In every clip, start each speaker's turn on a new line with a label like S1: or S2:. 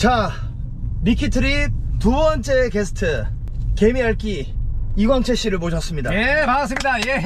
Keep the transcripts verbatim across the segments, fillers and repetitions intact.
S1: 자, 미키트립 두 번째 게스트 개미알기 이광채 씨를 모셨습니다.
S2: 예, 반갑습니다. 예.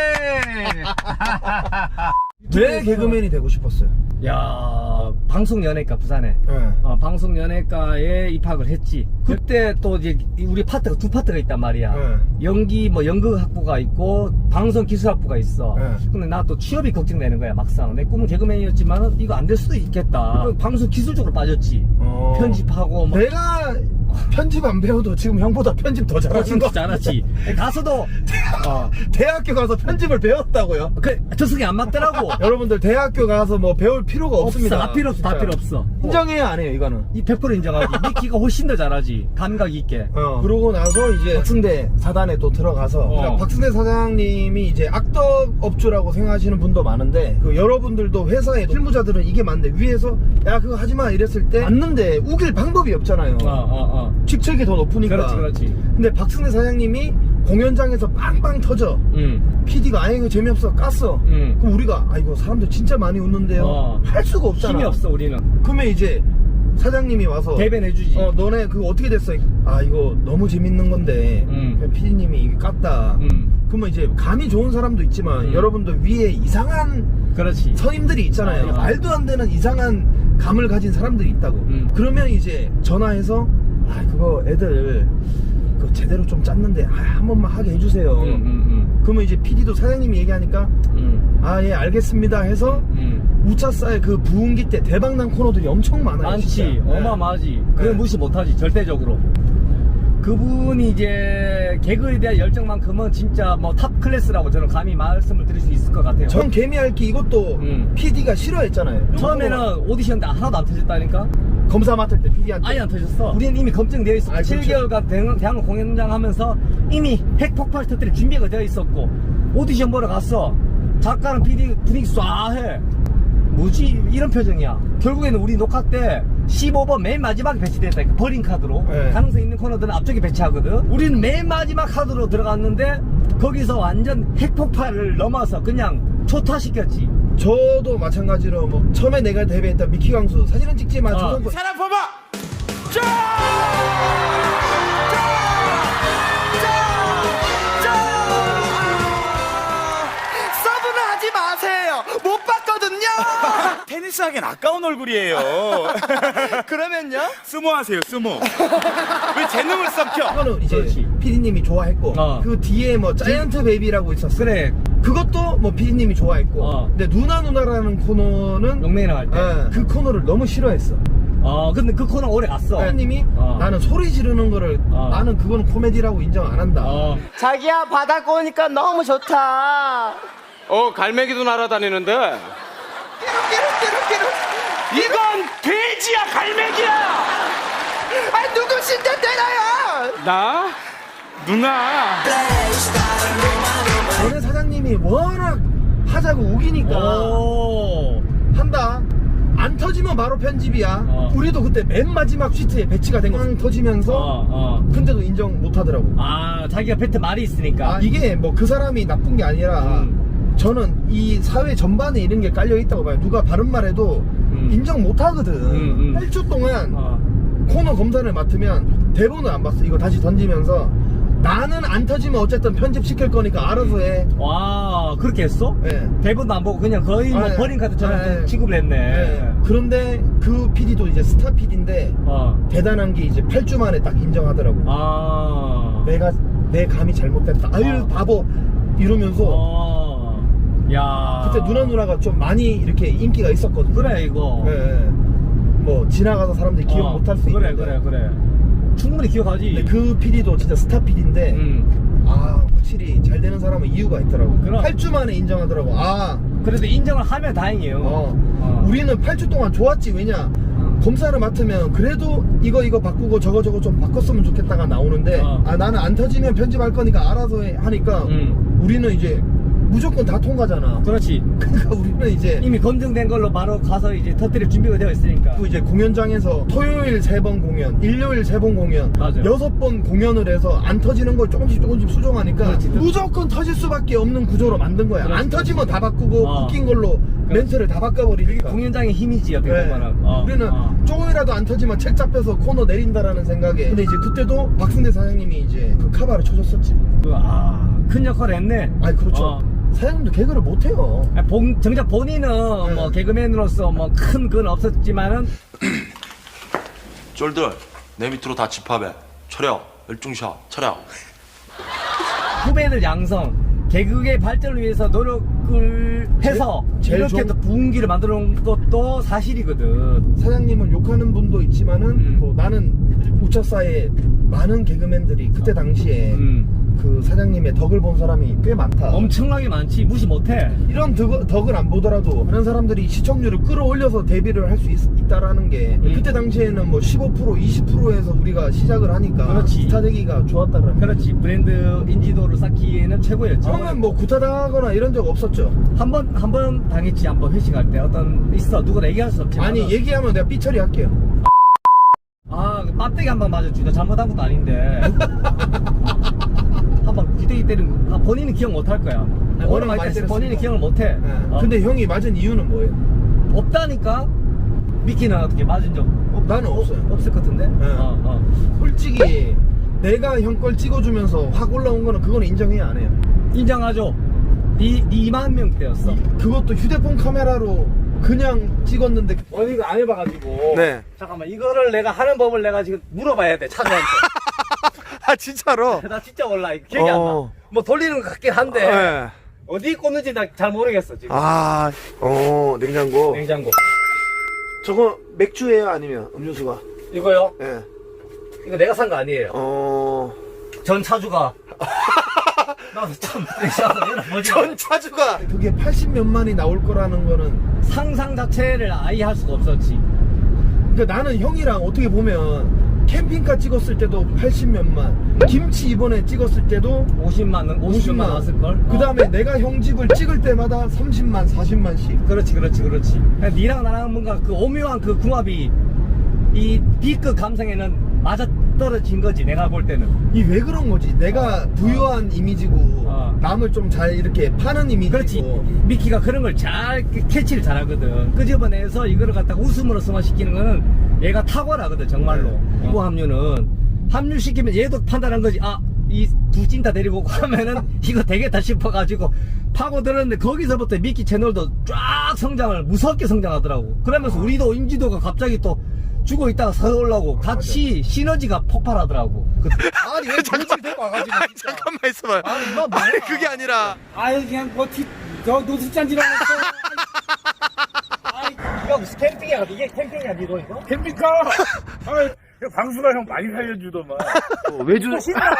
S1: 왜 개그맨이 되고 싶었어요?
S2: 야, 방송연예과 부산에.
S1: 네.
S2: 어, 방송연예과에 입학을 했지. 그때 또 이제 우리 파트가 두 파트가 있단 말이야.
S1: 네.
S2: 연기 뭐 연극학부가 있고 방송기술학부가 있어.
S1: 네.
S2: 근데 나 또 취업이 걱정되는 거야 막상. 내 꿈은 개그맨이었지만 이거 안 될 수도 있겠다. 방송 기술적으로 빠졌지.
S1: 어...
S2: 편집하고 뭐.
S1: 내가 편집 안 배워도 지금 형보다 편집 더 잘하신 거
S2: 잘하지. 가서도 어.
S1: 대학교 가서 편집을 배웠다고요?
S2: 그 저승이 안 맞더라고.
S1: 여러분들 대학교 가서 뭐 배울 필요가
S2: 없어,
S1: 없습니다.
S2: 다 필요 없어, 다
S1: 진짜.
S2: 필요 없어.
S1: 인정해야 안 해요 이거는.
S2: 이 백 퍼센트 인정하지. 미키가 훨씬 더 잘하지. 감각 있게.
S1: 어. 그러고 나서 이제 박승대 사단에 또 들어가서
S2: 어.
S1: 그러니까 박승대 사장님이 이제 악덕 업주라고 생각하시는 분도 많은데 그 여러분들도 회사에 실무자들은 이게 맞는데 위에서 야 그거 하지마 이랬을 때 맞는데 우길 방법이 없잖아요.
S2: 어, 어, 어.
S1: 직책이 더 높으니까.
S2: 그렇지, 그렇지.
S1: 근데 박승대 사장님이 공연장에서 빵빵 터져.
S2: 응.
S1: 피디가 아예 이거 재미없어 깠어.
S2: 응.
S1: 그럼 우리가 아 이거 사람들 진짜 많이 웃는데요.
S2: 어.
S1: 할 수가 없잖아.
S2: 힘이 없어, 우리는.
S1: 그러면 이제 사장님이 와서
S2: 대변해주지.
S1: 어 너네 그거 어떻게 됐어? 아 이거 너무 재밌는 건데
S2: 음.
S1: 피디님이 이게 깠다.
S2: 음.
S1: 그러면 이제 감이 좋은 사람도 있지만
S2: 음.
S1: 여러분들 위에 이상한
S2: 그렇지.
S1: 선임들이 있잖아요.
S2: 어, 어.
S1: 말도 안 되는 이상한 감을 가진 사람들이 있다고.
S2: 음.
S1: 그러면 이제 전화해서 아 그거 애들 그거 제대로 좀 짰는데 아, 한 번만 하게 해주세요.
S2: 응, 응,
S1: 그러면 이제 피디도 사장님이 얘기하니까
S2: 응.
S1: 아 예 알겠습니다 해서
S2: 응.
S1: 우차싸의 그 부흥기 때 대박난 코너들이 엄청 많아요.
S2: 많지.
S1: 진짜.
S2: 어마어마하지. 그걸
S1: 네.
S2: 무시 못하지, 절대적으로. 그분이 이제 개그에 대한 열정만큼은 진짜 뭐 탑 클래스라고 저는 감히 말씀을 드릴 수 있을 것 같아요.
S1: 전 개미알기 이것도
S2: 음.
S1: 피디가 싫어했잖아요.
S2: 처음에는 오디션 때 하나도 안 터졌다니까?
S1: 검사 맡을 때 피디한테
S2: 아예 안 터졌어. 우리는 이미 검증되어 있었고,
S1: 아, 그렇죠.
S2: 칠 개월간 대학, 대학로 공연장 하면서 이미 핵폭발 터뜨릴 준비가 되어 있었고, 오디션 보러 갔어. 작가랑 피디 분위기 쏴해. 뭐지? 이런 표정이야. 결국에는 우리 녹화 때 십오 번 맨 마지막에 배치됐다. 버린 카드로.
S1: 네.
S2: 가능성 있는 코너들은 앞쪽에 배치하거든. 우리는 맨 마지막 카드로 들어갔는데, 거기서 완전 핵폭발을 넘어서 그냥 초타시켰지.
S1: 저도 마찬가지로 뭐 처음에 내가 데뷔했던 미키 광수 사진은 찍지만
S2: 어.
S1: 조선
S3: 사람 봐봐! 짜! 서브는 하지 마세요! 못 봤거든요! 테니스 하기엔 아까운 얼굴이에요.
S1: 그러면요?
S3: 스모하세요, 스모. 왜 재능을 썩혀?
S1: 그거는 이제
S2: 그렇지.
S1: 피디님이 좋아했고
S2: 어.
S1: 그 뒤에 뭐 자이언트 베이비라고 있었어.
S2: 그래.
S1: 그것도 뭐 피디님이 좋아했고.
S2: 어.
S1: 근데 누나 누나라는 코너는
S2: 용맹이랑 할 때.
S1: 예, 그 코너를 너무 싫어했어.
S2: 어, 근데 그 코너 오래 갔어.
S1: 피디님이
S2: 어.
S1: 나는 소리 지르는 거를
S2: 어.
S1: 나는 그거는 코미디라고 인정 안 한다.
S2: 어.
S4: 자기야 바닷가 오니까 너무 좋다.
S5: 어, 갈매기도 날아다니는데.
S3: 이건 돼지야, 갈매기야!
S4: 아 누구신데 때려요?
S3: 나? 누나?
S1: 전에 사장님이 워낙 하자고 우기니까
S2: 오.
S1: 한다. 안 터지면 바로 편집이야.
S2: 어.
S1: 우리도 그때 맨 마지막 시트에 배치가 된 거. 빵 터지면서
S2: 어, 어.
S1: 근데도 인정 못 하더라고.
S2: 아, 자기가 뱉은 말이 있으니까.
S1: 아, 이게 뭐 그 사람이 나쁜 게 아니라
S2: 음.
S1: 저는 이 사회 전반에 이런 게 깔려 있다고 봐요. 누가 바른 말해도
S2: 음.
S1: 인정 못 하거든.
S2: 음, 음.
S1: 팔 주 동안
S2: 어.
S1: 코너 검사를 맡으면 대본을 안 봤어. 이거 다시 던지면서 나는 안 터지면 어쨌든 편집시킬 거니까 알아서 해.
S2: 와, 그렇게 했어?
S1: 예.
S2: 대본도 안 보고 그냥 거의 뭐
S1: 아, 예.
S2: 버린 카드처럼
S1: 아, 예.
S2: 취급을 했네.
S1: 예. 그런데 그 피디도 이제 스타 피디인데
S2: 어.
S1: 대단한 게 이제 팔 주 만에 딱 인정하더라고.
S2: 아.
S1: 내가 내 감이 잘못됐다. 아유
S2: 어.
S1: 바보 이러면서
S2: 어. 야.
S1: 그때 누나 누나가 좀 많이 이렇게 인기가 있었거든.
S2: 그래, 이거.
S1: 예, 예. 뭐 지나가서 사람들이 기억
S2: 어,
S1: 못할 수
S2: 그래,
S1: 있는데.
S2: 그래, 그래. 충분히 기억하지.
S1: 근데 그 피디도 진짜 스타 피디인데
S2: 음.
S1: 아 확실히 잘 되는 사람은 이유가 있더라고.
S2: 그럼.
S1: 팔 주 만에 인정하더라고. 아
S2: 그래도 인정을 하면 다행이에요.
S1: 어.
S2: 어.
S1: 우리는 팔 주 동안 좋았지. 왜냐
S2: 어.
S1: 검사를 맡으면 그래도 이거 이거 바꾸고 저거 저거 좀 바꿨으면 좋겠다가 나오는데
S2: 어.
S1: 아 나는 안 터지면 편집할 거니까 알아서 해 하니까
S2: 음.
S1: 우리는 이제 무조건 다 통과잖아.
S2: 그렇지.
S1: 그러니까 우리는 이제
S2: 이미 검증된 걸로 바로 가서 이제 터뜨릴 준비가 되어 있으니까.
S1: 그 이제 공연장에서 토요일 세 번 공연, 일요일 세 번 공연,
S2: 맞아요.
S1: 여섯 번 공연을 해서 안 터지는 걸 조금씩 조금씩 수정하니까
S2: 그렇지.
S1: 무조건 터질 수밖에 없는 구조로 만든 거야.
S2: 그렇지,
S1: 안
S2: 그렇지.
S1: 터지면 다 바꾸고
S2: 어.
S1: 웃긴 걸로 멘트를 다 바꿔버리니까.
S2: 공연장의 힘이지 어떻게
S1: 네.
S2: 보면은. 어,
S1: 우리는
S2: 어.
S1: 조금이라도 안 터지면 책 잡혀서 코너 내린다라는 생각에. 근데 이제 그때도 박승대 사장님이 이제 그 카바를 쳐줬었지.
S2: 그, 아, 큰 역할을 했네.
S1: 아니 그렇죠.
S2: 어.
S1: 사장님도 개그를 못해요.
S2: 아니, 본- 정작 본인은
S1: 네.
S2: 뭐 개그맨으로서 뭐 큰 건 없었지만은
S6: 쫄들 내 밑으로 다 집합해. 차려. 열중샷. 차려.
S2: 후배들 양성, 개그의 발전을 위해서 노력을 해서
S1: 제일
S2: 이렇게
S1: 좋은-
S2: 또 부흥기를 만들어 놓은 것도 사실이거든.
S1: 사장님을 욕하는 분도 있지만은
S2: 음.
S1: 뭐 나는 우차사에 많은 개그맨들이 그때 당시에
S2: 음.
S1: 그 사장님의 덕을 본 사람이 꽤 많다.
S2: 엄청나게 많지. 무시 못해.
S1: 이런 덕, 덕을 안 보더라도 다른 사람들이 시청률을 끌어올려서 데뷔를 할 수 있다라는 게
S2: 음.
S1: 그때 당시에는 뭐 십오 퍼센트 이십 퍼센트에서 우리가 시작을 하니까
S2: 그렇지.
S1: 스타 되기가 좋았다라는.
S2: 그렇지. 브랜드 인지도를 쌓기에는 최고였죠.
S1: 그러면 뭐 구타당하거나 이런 적 없었죠?
S2: 한 번, 한 번 당했지. 한 번 회식할 때. 어떤, 있어. 누구나 얘기할 수 없지만.
S1: 아니 얘기하면 내가 삐처리 할게요.
S2: 아, 그 빡대기 한 방 맞았지. 나 잘못한 것도 아닌데. 한 방 귀대기 때린 거. 아, 본인은 기억 못 할 거야.
S1: 워낙
S2: 워낙
S1: 많이
S2: 많이 때렸어.
S1: 때렸으니까.
S2: 본인은 기억을 못 해.
S1: 네.
S2: 어.
S1: 근데 형이 맞은 이유는 뭐예요?
S2: 없다니까? 미키는 어떻게 맞은 적?
S1: 어, 나는 없어요.
S2: 없을 것 같은데?
S1: 네.
S2: 어, 어.
S1: 솔직히 내가 형 걸 찍어주면서 확 올라온 거는 그거는 인정해야 안 해요.
S2: 인정하죠. 니, 니 이만 명대였어.
S1: 이- 그것도 휴대폰 카메라로 그냥 찍었는데.
S2: 어, 이거 안 해봐가지고.
S1: 네.
S2: 잠깐만, 이거를 내가 하는 법을 내가 지금 물어봐야 돼, 차주한테.
S1: 아 진짜로?
S2: 나 진짜 몰라. 이거 기억이 안
S1: 어.
S2: 나. 뭐 돌리는 것 같긴 한데.
S1: 네.
S2: 어디 꽂는지 나 잘 모르겠어, 지금.
S1: 아, 어 냉장고.
S2: 냉장고.
S1: 저거 맥주예요, 아니면 음료수가?
S2: 이거요?
S1: 예.
S2: 이거 내가 산 거 아니에요.
S1: 어.
S2: 전 차주가. 나도 참, 뭐지?
S1: 차주가 그게 팔십 몇만이 나올 거라는 거는.
S2: 상상 자체를 아예 할 수가 없었지.
S1: 그러니까 나는 형이랑 어떻게 보면 캠핑카 찍었을 때도 팔십 몇만, 김치 이번에 찍었을 때도
S2: 오십만 원, 오십만 나왔을걸?
S1: 그 다음에 내가 형 집을 찍을 때마다 삼십만, 사십만씩.
S2: 그렇지, 그렇지, 그렇지. 그냥 니랑 나랑 뭔가 그 오묘한 그 궁합이 이 B급 감성에는 맞아 떨어진 거지, 내가 볼 때는.
S1: 이 왜 그런 거지? 내가 부유한 이미지고
S2: 어.
S1: 남을 좀 잘 이렇게 파는 이미지고.
S2: 그렇지. 미키가 그런 걸 잘 캐치를 잘하거든. 끄집어내서 이거를 갖다가 웃음으로 승화시키는 거는 얘가 탁월하거든, 정말로.
S1: 네.
S2: 이거 합류는 합류시키면 얘도 판단한 거지. 아, 이 두 찐다 데리고 오고 하면은 이거 되겠다 싶어가지고 파고들었는데, 거기서부터 미키 채널도 쫙 성장을 무섭게 성장하더라고. 그러면서 우리도 인지도가 갑자기 또 죽어 있다가 서올라고 같이 시너지가 폭발하더라고. 그-
S1: 아니 왜 도지를 데리고 와가지고 진짜.
S3: 잠깐만 있어봐요.
S1: 아니 이거 뭐야?
S3: 아니 그게 아니라
S2: 아유, 그냥 뭐, 티, 저, 노숙잔지로 했어. 아이, 이거 무슨 캠핑이야? 이게 캠핑이야, 니도 이거?
S7: 캠핑카! 아, 방수가 형 많이 살려주더만.
S1: 어, 왜 주?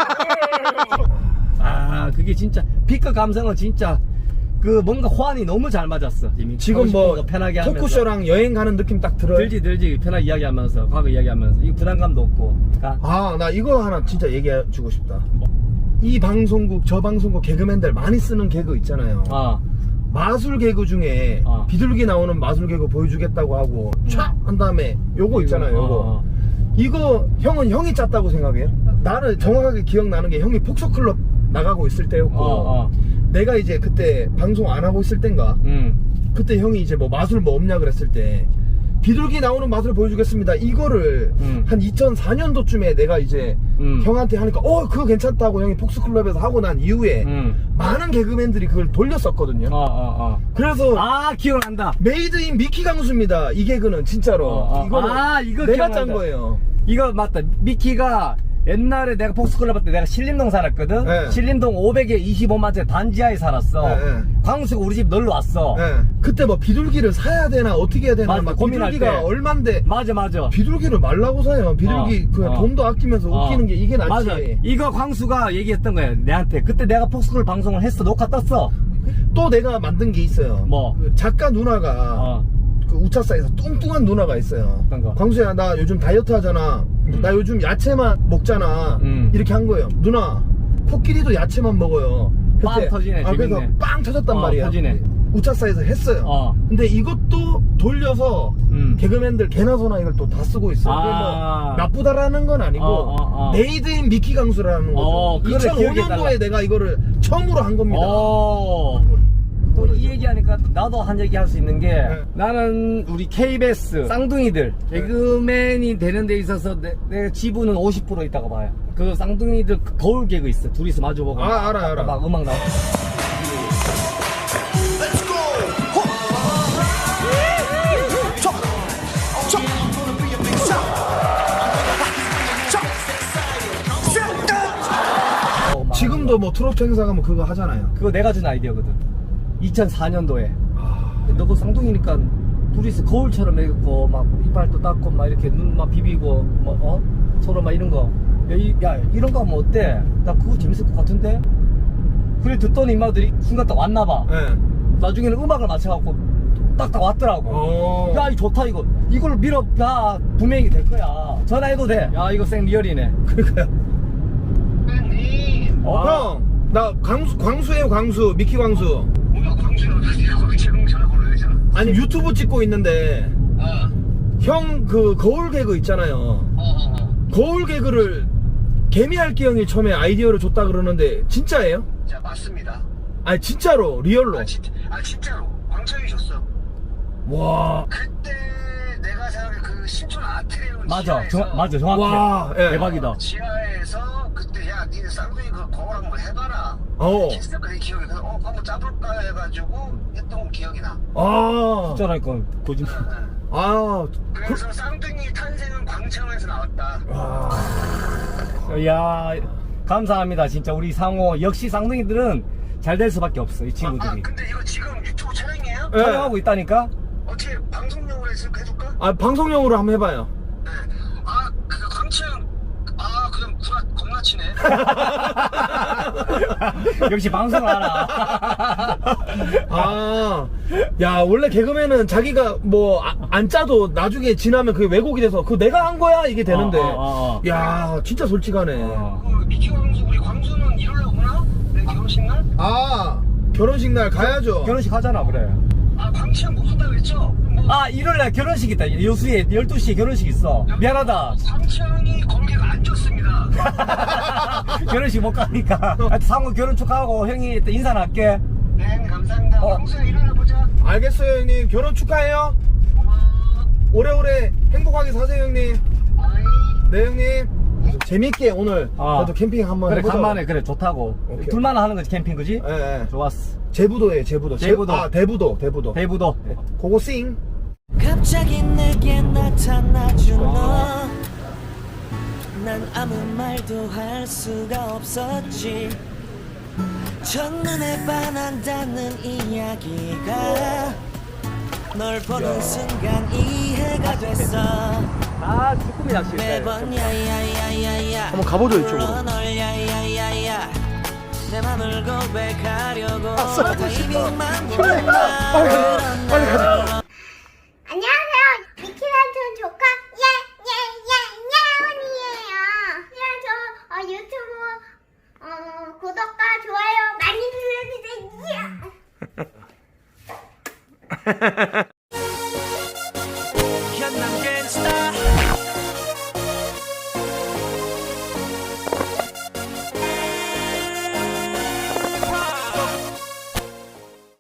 S2: 아, 그게 진짜, B급 감성은 진짜, 그 뭔가 호환이 너무 잘 맞았어. 지금,
S1: 지금
S2: 하고 싶은
S1: 뭐
S2: 거 편하게 하면서.
S1: 토크쇼랑 여행 가는 느낌 딱 들어요.
S2: 들지, 들지. 편하게 이야기하면서, 과거 이야기하면서. 이 부담감도 없고. 그러니까
S1: 아, 나 이거 하나 진짜 얘기해 주고 싶다. 이 방송국, 저 방송국 개그맨들 많이 쓰는 개그 있잖아요.
S2: 아,
S1: 마술 개그 중에
S2: 어.
S1: 비둘기 나오는 마술 개그 보여주겠다고 하고 촥 한 다음에 요거 있잖아요. 요거.
S2: 어,
S1: 이거 형은 형이 짰다고 생각해요? 나는 정확하게 기억나는 게 형이 폭소클럽 나가고 있을 때였고,
S2: 어, 어.
S1: 내가 이제 그때 방송 안 하고 있을 땐가,
S2: 음.
S1: 그때 형이 이제 뭐 마술 뭐 없냐 그랬을 때 비둘기 나오는 맛을 보여주겠습니다. 이거를
S2: 음.
S1: 한 이천사 년도쯤에 내가 이제
S2: 음.
S1: 형한테 하니까 어 그거 괜찮다고 형이 폭스클럽에서 하고 난 이후에
S2: 음.
S1: 많은 개그맨들이 그걸 돌렸었거든요.
S2: 어, 어, 어.
S1: 그래서
S2: 아, 기억난다.
S1: 메이드 인 미키 강수입니다. 이 개그는 진짜로.
S2: 어, 어.
S1: 이거는
S2: 아, 이거
S1: 내가
S2: 기억난다.
S1: 짠 거예요.
S2: 이거 맞다. 미키가 옛날에 내가 폭스클럽 할 때 내가 신림동 살았거든.
S1: 네.
S2: 신림동 오백에 이십오만째 단지하에 살았어.
S1: 네, 네.
S2: 광수가 우리 집 놀러 왔어.
S1: 예. 그때 뭐 비둘기를 사야 되나 어떻게 해야 되나
S2: 맞아,
S1: 막
S2: 고민할
S1: 비둘기가
S2: 때.
S1: 얼만데
S2: 맞아, 맞아.
S1: 비둘기를 말라고 사요. 비둘기
S2: 어,
S1: 그냥
S2: 어.
S1: 돈도 아끼면서
S2: 어.
S1: 웃기는 게 이게 낫지.
S2: 맞아. 이거 광수가 얘기했던 거야, 내한테. 그때 내가 폭스클럽 방송을 했어. 녹화 떴어.
S1: 또 내가 만든 게 있어요.
S2: 뭐?
S1: 그 작가 누나가
S2: 어.
S1: 그 우차사에서 뚱뚱한 누나가 있어요.
S2: 어떤 거?
S1: 광수야, 나 요즘 다이어트 하잖아. 나 요즘 야채만 먹잖아.
S2: 음.
S1: 이렇게 한 거예요. 누나, 코끼리도 야채만 먹어요.
S2: 빵 터지네,
S1: 아, 그래서
S2: 재밌네.
S1: 빵 터졌단
S2: 어,
S1: 말이야.
S2: 터지네.
S1: 우차사에서 했어요.
S2: 어.
S1: 근데 이것도 돌려서
S2: 음.
S1: 개그맨들 개나 소나 이걸 또 다 쓰고 있어요. 그게
S2: 아.
S1: 뭐 나쁘다라는 건 아니고
S2: 어, 어, 어.
S1: 메이드 인 미키 강수라는 거죠.
S2: 어, 그거를
S1: 이천오 년도에
S2: 기억해달라.
S1: 내가 이거를 처음으로 한 겁니다.
S2: 어. 또 이 얘기 얘기하니까 나도 한 얘기 할 수 있는 게
S1: 네.
S2: 나는 우리 케이비에스 쌍둥이들 개그맨이 되는 데 있어서 내, 내 지분은 오십 퍼센트 있다고 봐요. 그 쌍둥이들 거울 개그 있어. 둘이서 마주보고
S1: 아,
S2: 막,
S1: 알아, 알아.
S2: 막 음악 나오고. 어, 막
S1: 지금도 뭐 트로트 행사 가면 그거 하잖아요.
S2: 그거 내가 준 아이디어거든. 이천사 년도에.
S1: 아,
S2: 너도 쌍둥이니까 둘이서 거울처럼 해갖고 막 이빨도 닦고 막 이렇게 눈만 비비고 뭐 어? 서로 막 이런 거. 야, 이, 야 이런 거 하면 어때? 나 그거 재밌을 것 같은데? 그래 듣더니 인마들이 순간 딱 왔나봐.
S1: 네.
S2: 나중에는 음악을 맞춰갖고 딱딱 왔더라고.
S1: 어.
S2: 야, 이 좋다 이거. 이걸로 밀어. 야, 분명히 될 거야. 전화해도 돼. 야, 이거 생 리얼이네.
S1: 그러니까요.
S4: 형님
S2: 어,
S1: 형, 나 광수, 광수예요, 광수. 미키 광수.
S4: 뭐야 광주로 가지고 지금 전화번호 왜잖아.
S1: 아니, 유튜브 찍고 있는데,
S4: 어어어
S1: 형 그 거울 개그 있잖아요. 거울 개그를 개미할기 형이 처음에 아이디어를 줬다 그러는데, 진짜예요?
S4: 자 맞습니다.
S1: 아니, 진짜로, 리얼로.
S4: 아, 진, 아 진짜로 광철이 줬어.
S1: 와.
S4: 그때 내가 생각해 그 신촌 아트리움
S2: 맞아.
S4: 지하에서
S2: 정, 맞아. 정확해.
S1: 와, 예.
S2: 대박이다.
S4: 지하에서 그때 야 니네 쌍둥이 그 거울 한번 해봐라.
S1: 어.
S4: 했을 그 기억이 그래서 어 한번 짜볼까 해가지고 했던 기억이 나.
S1: 아.
S2: 진짜라니까 거짓말.
S1: 아.
S4: 그래서 쌍둥이 탄생은 광천에서 나왔다.
S1: 아.
S2: 야, 감사합니다. 진짜 우리 상호 역시 쌍둥이들은 잘 될 수밖에 없어. 이
S4: 아, 아
S2: 친구들이.
S4: 근데 이거 지금 유튜브 촬영이에요?
S1: 예.
S2: 촬영하고 있다니까.
S4: 어떻게 방송용으로 해서 해줄까?
S1: 아, 방송용으로 한번 해봐요.
S4: 네. 아, 그 광천, 아, 그냥 구라 겁나 치네.
S2: 역시 방송을 알아.
S1: 아, 야, 원래 개그맨은 자기가 뭐, 아, 안 짜도 나중에 지나면 그게 왜곡이 돼서, 그거 내가 한 거야? 이게 되는데.
S2: 어, 어, 어.
S1: 야, 진짜 솔직하네.
S2: 어.
S4: 그 미키 광수, 우리 광수는 일요일에 오나? 내 결혼식 날?
S1: 아, 결혼식 날 가야죠.
S2: 결혼식 하잖아, 그래.
S4: 아, 광천 못 온다고 했죠? 뭐,
S2: 아, 일요일날 결혼식 있다. 여수에 열두 시에 결혼식 있어. 미안하다.
S4: 광천이 거기가 안 좋습니다.
S2: 결혼식 못 가니까. 하여튼 상호 결혼 축하하고 형이 또 인사는 할게.
S4: 네, 감사합니다.
S2: 어.
S4: 광수야, 일요일에 보자.
S1: 알겠어요, 형님. 결혼 축하해요.
S4: 고마워.
S1: 오래오래 행복하게 사세요, 형님.
S4: 아이.
S1: 네, 형님. 재밌게 오늘
S2: 아.
S1: 저도 캠핑 한번
S2: 그래,
S1: 해보자.
S2: 간만에, 그래, 좋다고.
S1: 오케이.
S2: 둘만 하는 거지, 캠핑, 그지?
S1: 예, 예.
S2: 좋았어.
S1: 제부도예요, 제부도. 제-
S2: 제부도.
S1: 아, 대부도, 대부도.
S2: 대부도.
S1: 그거 싱.
S8: 갑자기 내게 나타나준 너. 난 아무 말도 할 수가 없었지. 첫눈에 반한다는 이야기가 널 보는 순간 이해가 됐어.
S2: 아, 쭈꾸미 낚시.
S8: 매번 야야야야야
S1: 한번 가보죠, 이쪽으로.
S8: 불러 널 야야야야야 내 맘을 고백하려고 타이밍만 보면
S1: 빨리 가자, 빨리 가자.
S9: 안녕하세요. 미키란촌 조카 예예예예원이에요. 그냥 저 어, 유튜브 어, 구독과 좋아요 많이 눌러주세요.